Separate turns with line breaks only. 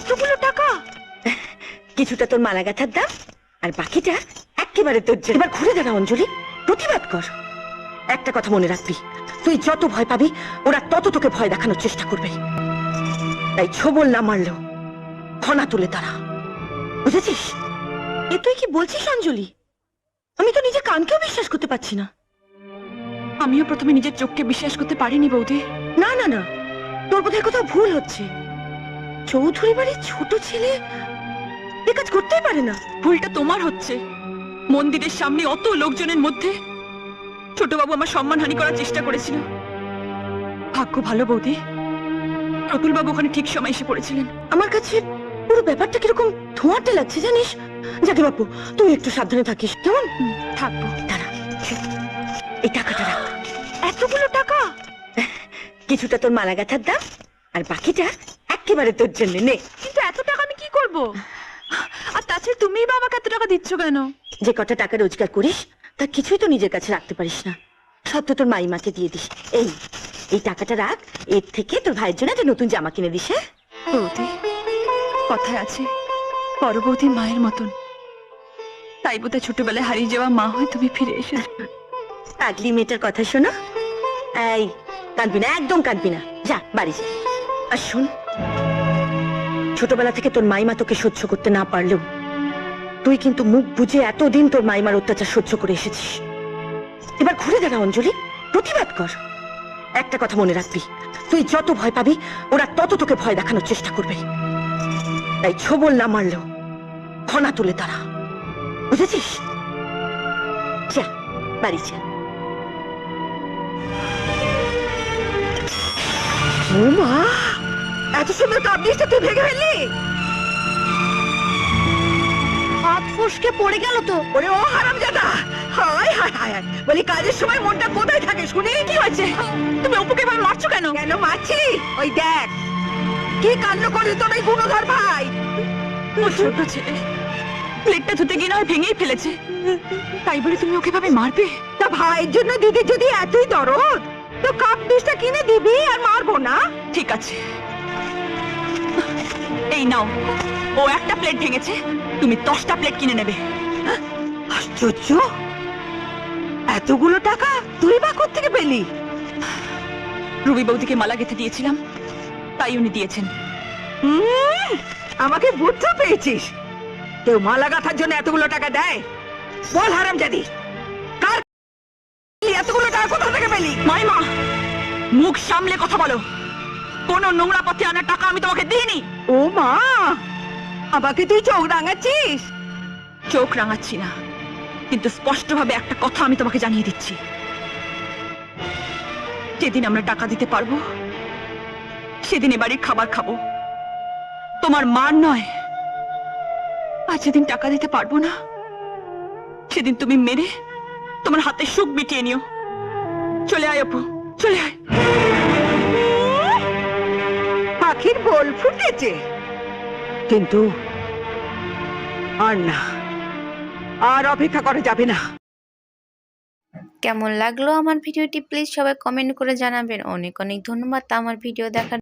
এতগুলো টাকা?
কিছুটা তোর মালা গাঁথার দাম, আর বাকিটা একেবারে তোর জন্য। এবার ঘুরে দাঁড়া অঞ্জলি, প্রতিবাদ কর। একটা কথা মনে রাখবি, তুই যত ভয় পাবি ওরা তত তোকে ভয় দেখানোর চেষ্টা করবে। তাই ছোবল না মারলেও ঘনা তুলে দাঁড়া, বুঝেছিস? এ তুই কি বলছিস অঞ্জলি? আমি তো নিজের কানকেও বিশ্বাস করতে পারছি না।
আমিও প্রথমে নিজের চোখকে বিশ্বাস করতে পারিনি বৌদি।
না না না, তোর বোধহয় কোথাও ভুল হচ্ছে। চৌধুরী বাড়ির ছোট ছেলে এ কাজ করতেই পারে না।
ভুলটা তোমার হচ্ছে। মন্দিরের সামনে অত লোকজনের মধ্যে ছোটবাবু আমার সম্মানহানি করার চেষ্টা করেছিল। ভাগ্য ভালো বৌদি, প্রতুল বাবু ওখানে ঠিক সময় এসে পড়েছিলেন।
আমার কাছে পুরো ব্যাপারটা কিরকম ধোঁয়াটে লাগছে জানিস। যাকে বাপু, তুই একটু সাবধানে থাকিস, কেমন?
থাকবো।
দাঁড়া, এই টাকাটা রাখ।
এতগুলো টাকা?
কিছুটা তোর মালা গাঁথার দাম, আর বাকিটা একেবারে তোর জন্য নে।
কিন্তু এত টাকা আমি কি করব? আর তাছাড়া তুমিই বা আমাকে এত টাকা দিচ্ছ কেন?
যে কটা টাকা রোজগার করিস তার কিছুই তো নিজের কাছে রাখতে পারিস না, সব তো তোর মাইমাকে দিয়ে দিস। এই টাকাটা রাখ, এর থেকে তোর ভাইয়ের জন্য একটা নতুন জামা কিনে দিস। হ্যাঁ
বৌদি, কথায় আছে বড় বৌদি মায়ের মতন, তাই বোধহয় ছোটবেলায় হারিয়ে যাওয়া মা হয়ে তুমি ফিরে এসেছো।
পাগলি মেয়েটার কথা শোনো। এই, কাঁদবি না, একদম কাঁদবি না, যা বাড়ি যা। আর শোন, ছোটবেলা থেকে তোর মাইমা তোকে সহ্য করতে না পারলেও তুই কিন্তু মুখ বুঝে এতদিন তোর মাইমার অত্যাচার সহ্য করে এসেছিস। এবার ঘুরে দাঁড়া অঞ্জলি, প্রতিবাদ কর। একটা কথা মনে রাখবি, তুই যত ভয় পাবি ওরা তত তোকে ভয় দেখানোর চেষ্টা করবে। তাই ছোবল না মারলেও ঘনা তুলে দাঁড়া, বুঝেছিস? যা বাড়ি যা। ও মা, এত সুন্দর কাবলিশটা তুই ভেঙে ফেললি? হাত ফসকে পড়ে গেল তো। ওরে ও হারামজাদা, হায় হায় হায়, বলি কাজের সময় মনটা কোথায় থাকে শুনি?
কি হয়েছে? তুমি অপুকে এভাবে মারছো কেন?
কেন মারছি? ওই দেখ কি কাণ্ড করে তোর এই গুণধর ভাই।
ও ছোট ছেলে, প্লেটটা ধুতে গিয়ে নয় ভেঙেই ফেলেছে, তাই বলে তুমি ওকে ভাবে মারবে?
তা ভাইয়ের জন্য দিদির যদি এতই দরদ, তো কাপ ডিশটা কিনে দিবি আর মারবো না।
ঠিক আছে, এই নাও, ও একটা প্লেট ভেঙেছে, তুমি 10টা প্লেট কিনে নেবে।
আশ্চর্য, এতগুলো টাকা তুই বা কোত্থেকে পেলি?
রুবি বৌদিকে মালা গেঁথে দিয়েছিলাম, তাই উনি দিয়েছেন।
আমাকে বুঝতে পেয়েছিস? কেউ মালা গাঁথার জন্য এতগুলো টাকা দেয়? বল হারামজাদি, কার এতগুলো টাকা কোথা থেকে পেলি?
মাইমা, মুখ সামলে কথা বলো। কোন নোংরা পথে আনা টাকা আমি তোমাকে দিইনি।
ও মা, আমাকে তুই চোখ রাঙাচ্ছিস?
চোখ রাঙাচ্ছি না, কিন্তু স্পষ্টভাবে একটা কথা আমি তোমাকে জানিয়ে দিচ্ছি। যেদিন আমরা টাকা দিতে পারবো সেদিন এ বাড়ির খাবার খাবো, তোমার মার নয়। আর যেদিন টাকা দিতে পারবো না সেদিন তুমি মেরে তোমার হাতে সুখ মিটিয়ে নিও। চলে আয় অপু, চলে আয়।
পাখির বল ফুটেছে, কিন্তু আর না, আর অপেক্ষা করা যাবে না।
কেমন লাগলো আমার ভিডিওটি প্লিজ সবাই কমেন্ট করে জানাবেন। অনেক অনেক ধন্যবাদ আমার ভিডিও দেখার